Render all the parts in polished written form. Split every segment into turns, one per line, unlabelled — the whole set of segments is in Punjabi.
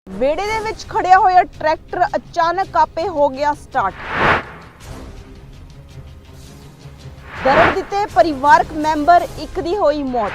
ਵਿਹੜੇ ਦੇ ਵਿੱਚ ਖੜਿਆ ਹੋਇਆ ਟਰੈਕਟਰ ਅਚਾਨਕ ਆਪੇ ਹੋ ਗਿਆ ਸਟਾਰਟ। ਦਰਦ ਦਿੱਤੇ ਪਰਿਵਾਰਕ ਮੈਂਬਰ, ਇੱਕ ਦੀ ਹੋਈ ਮੌਤ।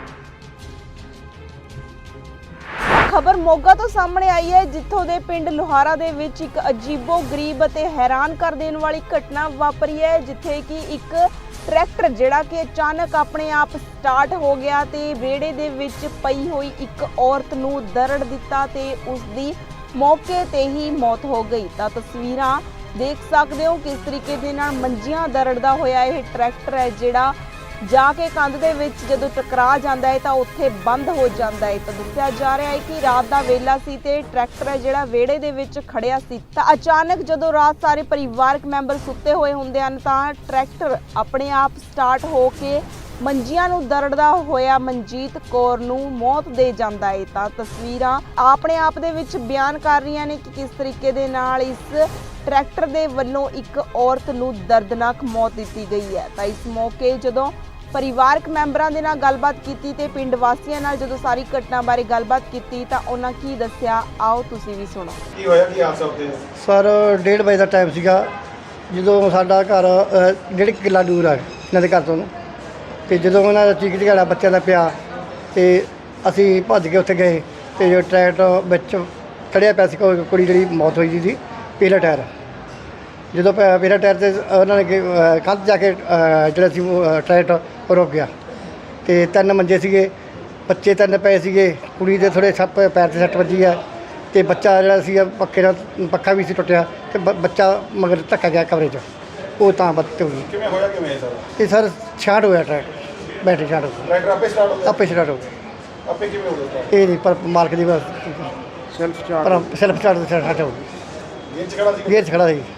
ਖਬਰ ਮੋਗਾ ਤੋਂ ਸਾਹਮਣੇ ਆਈ ਹੈ, ਜਿੱਥੋਂ ਦੇ ਪਿੰਡ ਲੋਹਾਰਾ ਦੇ ਵਿੱਚ ਇੱਕ ਅਜੀਬੋ-ਗਰੀਬ ਅਤੇ ਹੈਰਾਨ ਕਰ ਦੇਣ ਵਾਲੀ ਘਟਨਾ ਵਾਪਰੀ ਹੈ, ਜਿੱਥੇ ਕਿ ਇੱਕ ਟਰੈਕਟਰ ਜਿਹੜਾ ਕਿ ਅਚਾਨਕ ਆਪਣੇ ਆਪ ਸਟਾਰਟ ਹੋ ਗਿਆ ਤੇ ਵਿਹੜੇ ਦੇ ਵਿੱਚ ਪਈ ਹੋਈ ਇੱਕ ਔਰਤ ਨੂੰ ਦਰੜ ਦਿੱਤਾ ਤੇ ਉਸ ਦੀ ਮੌਕੇ ਤੇ ਹੀ ਮੌਤ ਹੋ ਗਈ। ਤਾਂ ਤਸਵੀਰਾਂ ਦੇਖ ਸਕਦੇ ਹੋ ਕਿਸ ਤਰੀਕੇ ਦੇ ਨਾਲ ਮੰਜੀਆਂ ਦਰੜਦਾ ਹੋਇਆ ਇਹ ਟਰੈਕਟਰ ਹੈ, ਜਿਹੜਾ ਜਾ ਕੇ ਕੰਧ ਦੇ ਵਿੱਚ ਜਦੋਂ ਟਕਰਾ ਜਾਂਦਾ ਹੈ ਤਾਂ ਉੱਥੇ ਬੰਦ ਹੋ ਜਾਂਦਾ ਹੈ। ਤਾਂ ਦੱਸਿਆ ਜਾ ਰਿਹਾ ਹੈ ਕਿ ਰਾਤ ਦਾ ਵੇਲਾ ਸੀ ਤੇ ਟਰੈਕਟਰ ਹੈ ਜਿਹੜਾ ਵਿਹੜੇ ਦੇ ਵਿੱਚ ਖੜਿਆ ਸੀ ਤਾਂ ਅਚਾਨਕ ਜਦੋਂ ਰਾਤ ਸਾਰੇ ਪਰਿਵਾਰਕ ਮੈਂਬਰ ਸੁੱਤੇ ਹੋਏ ਹੁੰਦੇ ਹਨ ਤਾਂ ਟਰੈਕਟਰ ਆਪਣੇ ਆਪ ਸਟਾਰਟ ਹੋ ਕੇ ਮੰਜੀਆਂ ਨੂੰ ਦਰੜਦਾ ਹੋਇਆ ਮਨਜੀਤ ਕੌਰ ਨੂੰ ਮੌਤ ਦੇ ਜਾਂਦਾ ਹੈ। ਤਾਂ ਤਸਵੀਰਾਂ ਆਪਣੇ ਆਪ ਦੇ ਵਿੱਚ ਬਿਆਨ ਕਰ ਰਹੀਆਂ ਨੇ ਕਿ ਕਿਸ ਤਰੀਕੇ ਦੇ ਨਾਲ ਇਸ ਟਰੈਕਟਰ ਦੇ ਵੱਲੋਂ ਇੱਕ ਔਰਤ ਨੂੰ ਦਰਦਨਾਕ ਮੌਤ ਦਿੱਤੀ ਗਈ ਹੈ। ਤਾਂ ਇਸ ਮੌਕੇ ਜਦੋਂ ਪਰਿਵਾਰਕ ਮੈਂਬਰਾਂ ਦੇ ਨਾਲ ਗੱਲਬਾਤ ਕੀਤੀ ਤੇ ਪਿੰਡ ਵਾਸੀਆਂ ਨਾਲ ਜਦੋਂ ਸਾਰੀ ਘਟਨਾ ਬਾਰੇ ਗੱਲਬਾਤ ਕੀਤੀ ਤਾਂ ਉਹਨਾਂ ਕੀ ਦੱਸਿਆ, ਆਓ ਤੁਸੀਂ ਵੀ ਸੁਣੋ।
ਕੀ ਹੋਇਆ, ਕੀ ਹਾਦਸਾ ਉੱਤੇ?
ਸਰ 1:30 ਵਜੇ ਦਾ ਟਾਈਮ ਸੀਗਾ, ਜਦੋਂ ਸਾਡਾ ਘਰ 1.5 ਕਿੱਲਾ ਦੂਰ ਆ ਇਹਨਾਂ ਦੇ ਘਰ ਤੋਂ, ਤੇ ਜਦੋਂ ਉਹਨਾਂ ਦਾ ਚੀਕ ਚਿਹਾੜਾ ਬੱਚਿਆਂ ਦਾ ਪਿਆ ਤੇ ਅਸੀਂ ਭੱਜ ਕੇ ਉੱਥੇ ਗਏ ਤੇ ਜੋ ਟਰੈਕਟਰ ਵਿੱਚ ਖੜਿਆ ਪਿਆ ਸੀ, ਕੁੜੀ ਜਿਹੜੀ ਮੌਤ ਹੋਈ ਸੀ ਪਹਿਲਾ ਟਾਇਰ, ਜਦੋਂ ਪਹਿਲਾ ਟਾਇਰ 'ਤੇ ਉਹਨਾਂ ਨੇ ਕੰਧ ਜਾ ਕੇ ਜਿਹੜਾ ਸੀ ਟਰੈਕਟਰ ਰੁਕ ਗਿਆ ਤੇ 3 ਮੰਜੇ ਸੀਗੇ, ਬੱਚੇ 3 ਪਏ ਸੀਗੇ, ਕੁੜੀ ਦੇ ਥੋੜ੍ਹੇ ਸੱਪ ਪੈਰ 'ਤੇ ਸੱਟ ਵੱਜੀ ਹੈ ਤੇ ਬੱਚਾ ਜਿਹੜਾ ਸੀ ਪੱਖੇ ਨਾਲ ਪੱਖਾ ਵੀ ਸੀ ਟੁੱਟਿਆ ਤੇ ਬੱਚਾ ਮਗਰ ਧੱਕਾ ਗਿਆ ਕਮਰੇ 'ਚ, ਉਹ ਤਾਂ ਬੱਤ ਹੋ ਗਈ।
ਕਿਵੇਂ ਹੋਇਆ, ਕਿਵੇਂ ਹੈ ਸਰ?
ਇਹ ਸਰ ਛਾਟ ਹੋਇਆ ਟਰੈਕਟਰ, ਬੈਟਰੀ ਛਾਟ ਹੋ ਗਈ,
ਟਰੈਕਟਰ ਆਪੇ ਸਟਾਰਟ ਹੋ ਗਿਆ?
ਆਪੇ ਸਟਾਰਟ ਹੋ ਗਈ।
ਆਪੇ ਕਿਵੇਂ ਹੋ ਗਿਆ?
ਇਹ ਨਹੀਂ ਪਰ ਮਾਲਕ ਦੀ ਬਸ
ਸੈਲਫ
ਪਰ ਸੈਲਫ ਸਟਾਰਟ ਤੋਂ ਸਟਾਰਟ ਹੋ ਗਈ।
ਗੇਅਰ 'ਚ ਖੜਾ ਸੀ?
ਗੇਅਰ 'ਚ ਖੜਾ ਸੀ।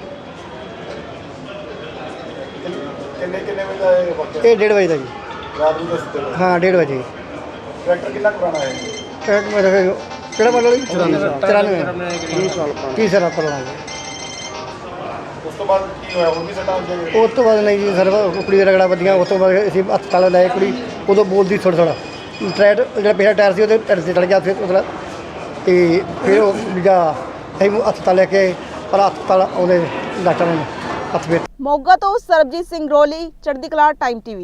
ਕਿੰਨੇ ਵਜੇ ਦਾ ਇਹ ਵਾਕਿਆ?
ਇਹ 1:30 ਵਜੇ ਦਾ ਜੀ।
ਰਾਤ ਨੂੰ ਤਾਂ ਸੁੱਤੇ ਹੋਏ।
ਹਾਂ 1:30 ਵਜੇ।
ਟਰੈਕਟਰ ਕਿੰਨਾ ਕੁ ਪੁਰਾਣਾ ਹੈ?
ਟਰੈਕਟਰ ਮੇਰਾ ਕਿਹੜਾ ਮਾਡਲ ਜੀ? 94 30 ਸਾਲ ਪੁਰਾਣਾ ਜੀ।
ਉਸ ਤੋਂ ਬਾਅਦ ਕੀ ਹੋਇਆ, ਹੋਰ ਵੀ ਸੱਟਾਂ ਲੱਗੀਆਂ?
ਉਸ ਤੋਂ ਬਾਅਦ ਨਹੀਂ ਜੀ ਸਰ, ਕੁੜੀ ਦਾ ਰਗੜਾ ਵੱਜੀਆਂ, ਉਸ ਤੋਂ ਬਾਅਦ ਅਸੀਂ ਹਸਪਤਾਲ ਲੈ ਕੁੜੀ, ਉਦੋਂ ਬੋਲਦੀ ਥੋੜ੍ਹਾ ਟਰੈਕਟਰ ਜਿਹੜਾ ਪਹਿਲਾ ਟਾਇਰ ਸੀ ਉਹਦੇ ਟਾਇਰ 'ਤੇ ਚੜ੍ਹ ਗਿਆ, ਫਿਰ ਉਹਦਾ ਤੇ ਫਿਰ ਉਹ ਦੂਜਾ ਅਸੀਂ ਹਸਪਤਾਲ ਲੈ ਕੇ ਪਰ ਹਸਪਤਾਲ ਉਹਦੇ ਡਾਕਟਰ ਨੇ ਹੱਥ ਵਿੱਚ।
ਮੋਗਾ ਤੋਂ ਸਰਬਜੀਤ ਸਿੰਘ ਰੋਲੀ, ਚੜ੍ਹਦੀ ਕਲਾ ਟਾਈਮ TV।